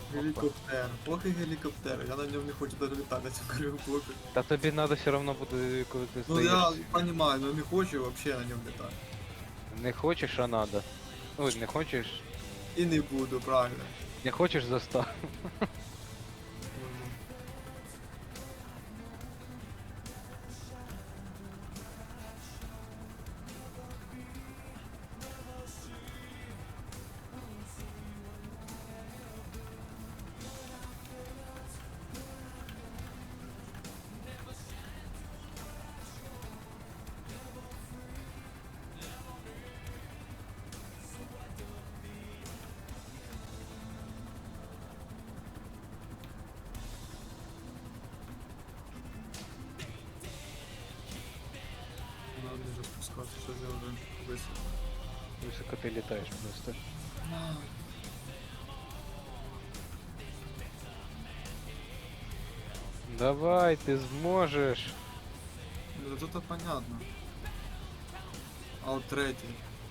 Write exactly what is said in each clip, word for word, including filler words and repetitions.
Гелікоптер. Ох і гелікоптер. Я на ньому не хочу навіть літати на цьому гелікоптері. Та тобі треба все одно буде, коли ти Ну я здаєшся. понимаю, но не хочу вообще на ньому літати. Не хочеш, а надо. Ну, не хочеш, І не буду, правильно. не хочеш застав. Мгм. Надо вже спускатися, що я вже високо. Високо ти літаєш просто. Давай, ти зможеш. Ну тут понятно. А от третій.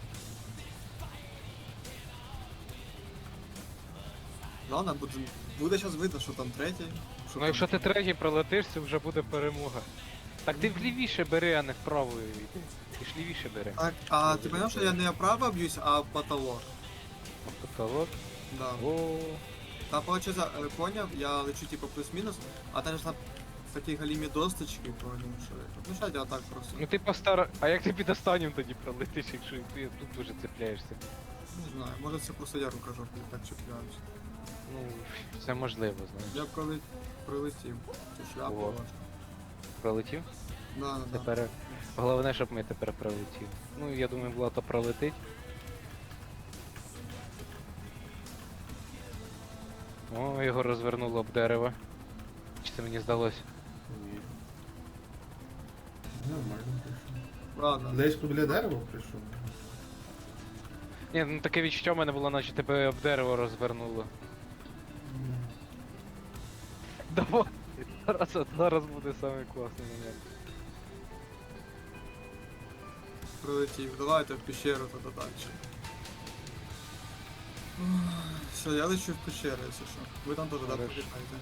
Ладно, буде, буде зараз видно, що там третій. Що Ну там якщо ти третій пролетиш, це вже буде перемога. Так ти влівіше бери, а не вправо йди. Ти ж лівіше бери. Так, а ти поняв, що я не вправо б'юсь, а в потолок. Потолок. Да. О, Та получается, э, поняв, я лечу типа плюс-мінус, а там ж на такі галімі досточки, поняв, що это. Ну що я так просто. ну ти постара. А як ти під останнім тоді пролетиш, якщо ти тут уже цепляєшся? Не знаю, може це просто я рукожоп, я так чіпляюсь. Ну, це можливо, знаєш. Я б коли прилетів, цю шляпу О. вашу. Пролетів? Да, да, да. Тепер. Головне, щоб ми тепер пролетів. Ну, я думаю, Влада пролетить. О, його розвернуло об дерево. Чи це мені здалося? Ні. Нормально прийшов. Ладно. Десь біля дерева прийшов. Ні, ну таке відчуття в мене було, наче тебе об дерево розвернуло. Давай! Зараз, зараз буде самий класний момент. Прилетів. Давайте в пещеру тоді далі. Все, я лечу в пещеру, якщо що. Ви там теж да, Хорошо. політаєте.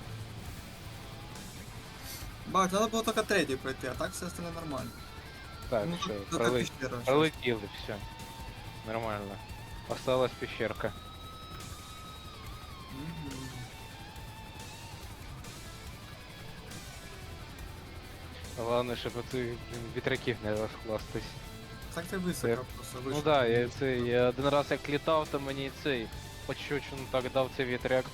Бать, треба було тільки третій пройти, а так все остальне нормально. Так, Ну, все, тільки проли... пещера. щас. пролетіли, все. Нормально. Осталась пещерка. Мгм. Головне, щоб оцих блін, вітряків не розхластись. Так це високо просто Ну вийшло. да, я цей, я один раз як літав, то мені цей пощечину так дав цей вітряк.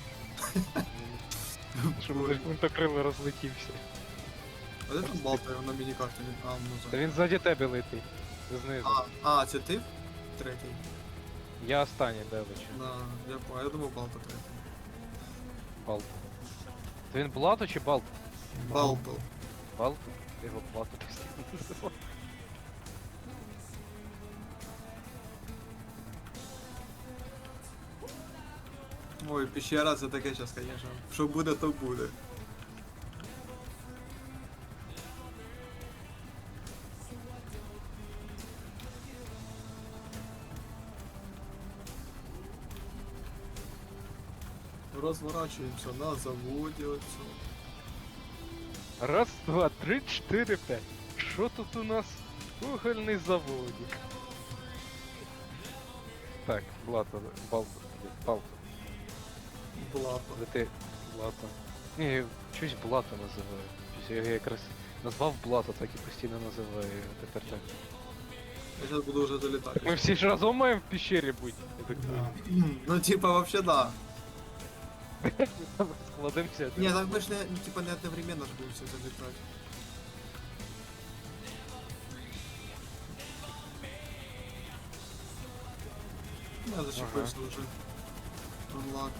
Щоб гвинтокрили розлетівся. А де там Балтер на міні-карті? А, ну Та за. він ззаді тебе летить. Знизу. А, а, це ти? Третій. Я останній, де лечу. Да, я понял. Я думав Балта третій. Балт. То він Блато чи Балт? Балтл. Балт? Я його Блато постійно називав. Ой, пещера це таке зараз, конечно. Що буде, то буде. Розворачуємося на заводі оцю. Раз, два, три, чотири, п'ять. Що тут у нас? Угольний заводик. Так, Блато, Балт, Балт. Блапа. Лети, Блато. Ні, щось Блато називаю. Щось я його якраз назвав Блато, так і постійно називаю його тепер так. Я зараз буду вже долітати. Ми всі ж разом маємо в пещері бути. Я так Да. Ну типа вообще да. складемося. Не, так мы ж не, ну, типа не одновременно ж будем все залетать. Я зачепился уже. Unlock.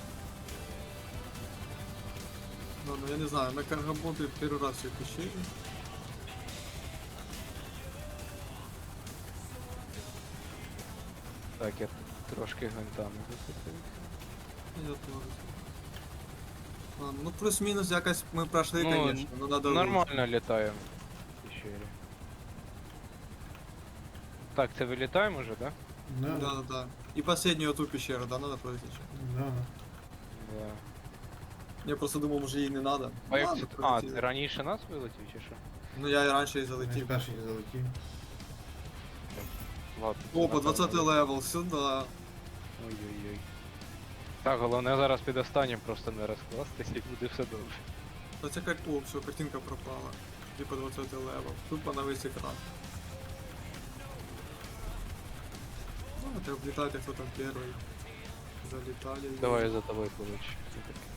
Ладно, я не знаю, на Каргабонте первый раз в пещере. Так, я трошки гвинтами зацепився. Я тоже. Ладно, ну плюс-минус якось мы прошли, Ну, конечно, но надо... Нормально літаємо в пещері. Так, це вилітаємо вже, да? Да. Да, да, да. И последнюю ту пещеру, да, надо пройти. Да. Да. Я просто думав, може їй не надо. А, як Ладно, це- а, прилетіли. ти раніше нас вилетів чи що? Ну я і раніше і Я залетів. перший залетів. Ладно. О, по напевно, двадцятий не- левел, сюди. Ой-ой-ой. Так, головне зараз під останнім просто не розкластись і буде все добре. Та ця кар... О, все, картинка пропала. Типа двадцятий левел. Тупо на весь екран. Ну, это облетайте, кто там первый. Залетали. Давай я за тобою получу.